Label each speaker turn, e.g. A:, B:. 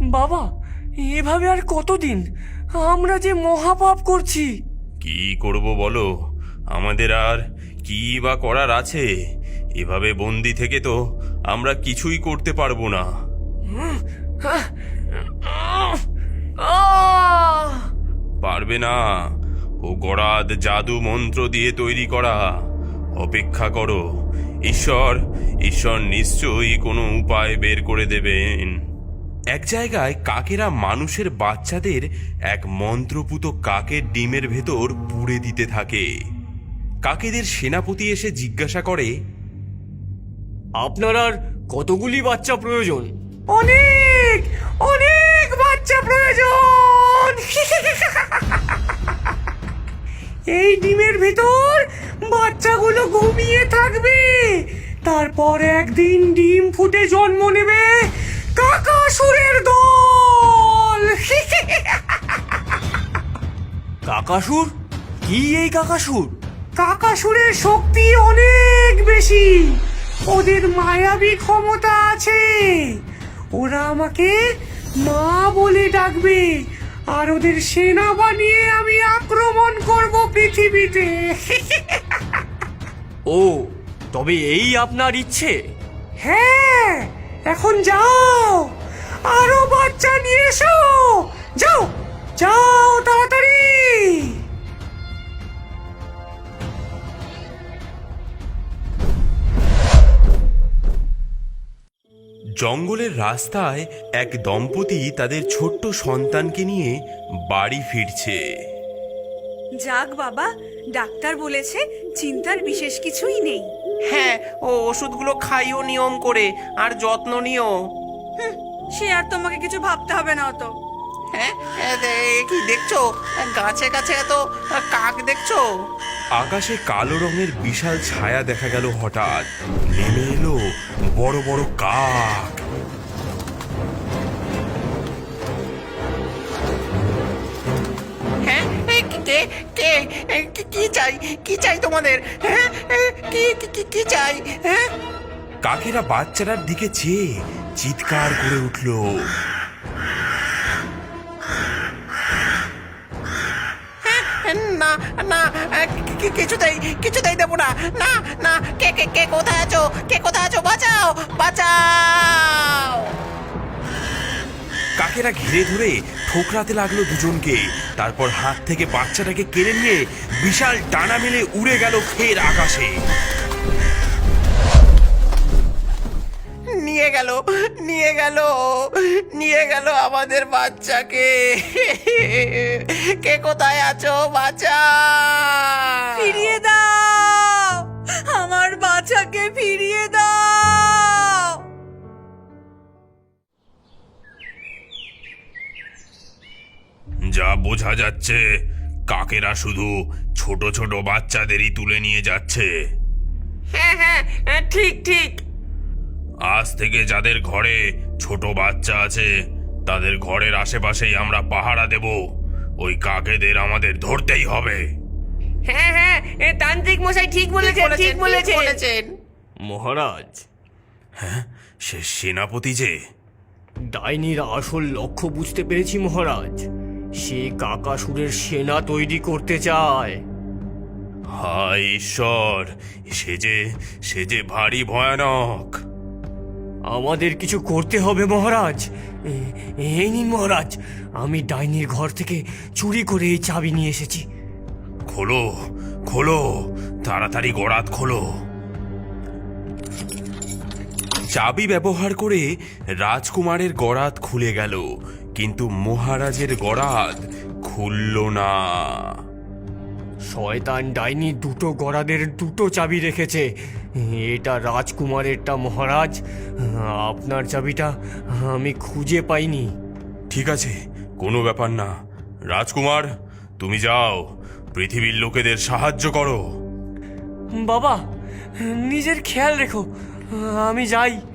A: বাবা, এভাবে আর কতদিন? আমরা যে মহাপাপ করছি।
B: কি করব বলো? আমাদের আর কি বা করার আছে? এভাবে বন্দি থেকে তো আমরা কিছুই করতে পারবো না। পারবে না, ও গরাদ জাদু মন্ত্র দিয়ে তৈরি করা। অপেক্ষা করো, ঈশ্বর ঈশ্বর নিশ্চয়ই কোনো উপায় বের করে দেবেন। এক জায়গায় কাকেরা মানুষের বাচ্চাদের এক মন্ত্রপুত কাকের ডিমের ভেতর পুড়ে দিতে থাকে। কাকেদের সেনাপতি এসে জিজ্ঞাসা করে,
A: আপনার আর কতগুলি বাচ্চা প্রয়োজন? অনেক অনেক বাচ্চা প্রয়োজন। এই ডিমের ভিতর বাচ্চাগুলো ঘুমিয়ে থাকবে, তারপর একদিন ডিম ফুটে জন্ম নেবে কাকাসুরের দল। কাকাসুর? কি এই কাকাসুর? কাকাসুরের শক্তি অনেক বেশি, ওদের মায়াবী ক্ষমতা আছে। ওরা আমাকে মা বলে ডাকবে, আর ওদের সেনা বানিয়ে আমি আক্রমণ করব পৃথিবীতে। ও, তবে এই আপনার ইচ্ছে? হ্যাঁ, এখন যাও, আরো বাচ্চা নিয়ে এসো। যাও যাও তাড়াতাড়ি।
B: জঙ্গলের রাস্তায় এক দম্পতি তাদের ছোট্ট সন্তানকে নিয়ে বাড়ি ফিরছে।
C: যাক বাবা, ডাক্তার বলেছে চিন্তার বিশেষ কিছুই নেই।
D: হ্যাঁ, ও ওষুধগুলো খাইও নিয়ম করে, আর যত্ন নিও।
C: সে আর তোমাকে কিছু ভাবতে হবে না অত।
D: হ্যাঁ, কি দেখছো? গাছে গাছে এত কাক দেখছো?
B: আকাশে কালো রঙের বিশাল ছায়া দেখা গেল। হঠাৎ নেমে এলো বড় বড় কাক।
D: হ্যাঁ, কে কে কি চাই? কি চাই তোমাদের? হ্যাঁ, কি চাই? হ্যাঁ,
B: কাকেরা বাচ্চাটার দিকে চেয়ে চিৎকার করে উঠল।
D: না না, কিছুতেই দেবো না। না না, কে কে কে কোথায় আছো? কে কোথায় আছো? বাঁচাও বাঁচাও!
B: কাকেরা ঘিরে ধরে ঠোকরাতে লাগলো দুজনকে। তারপর হাত থেকে বাচ্চাটাকে কেড়ে নিয়ে বিশাল ডানা মেলে উড়ে গেল ফের আকাশে।
D: নিয়ে গেল আমাদের বাচ্চাকে। কে কোথায় আছো? বাঁচাও!
C: ফিরিয়ে দাও, আমার বাচ্চাকে ফিরিয়ে দাও।
B: যা বোঝা যাচ্ছে, কাকেরা শুধু ছোট ছোট বাচ্চাদেরই তুলে নিয়ে যাচ্ছে।
D: হ্যাঁ, ঠিক ঠিক।
B: আজ থেকে যাদের ঘরে ছোট বাচ্চা আছে তাদের ঘরের আশেপাশেই আমরা পাহারা দেব। ওই কাকেদের আমাদের ধরতেই হবে।
D: হ্যাঁ, তান্ত্রিক মশাই ঠিক বলেছেন।
A: মহারাজ,
B: সে সেনাপতি যে।
A: ডাইনির আসল লক্ষ্য বুঝতে পেরেছি মহারাজ। সে কাকাসুরের সেনা তৈরি করতে চায়।
B: হায় ঈশ্বর, সে যে ভারী ভয়ানক।
A: আমাদের কিছু করতে হবে মহারাজ। এই নিন মহারাজ, আমি ডাইনির ঘর থেকে চুরি করে এই চাবি নিয়ে এসেছি।
B: খোলো খোলো, তাড়াতাড়ি গরাদ খোলো। চাবি ব্যবহার করে রাজকুমারের গরাদ খুলে গেল, কিন্তু মহারাজের গরাদ খুলল না।
A: শয়তান ডাইনি দুটো গরাদের দুটো চাবি রেখেছে। এটা রাজকুমারেরটা মহারাজ, আপনার চাবিটা আমি খুঁজে পাইনি।
B: ঠিক আছে, কোনো ব্যাপার না। রাজকুমার, তুমি যাও, পৃথিবীর লোকেদের সাহায্য করো।
A: বাবা, নিজের খেয়াল রেখো, আমি যাই।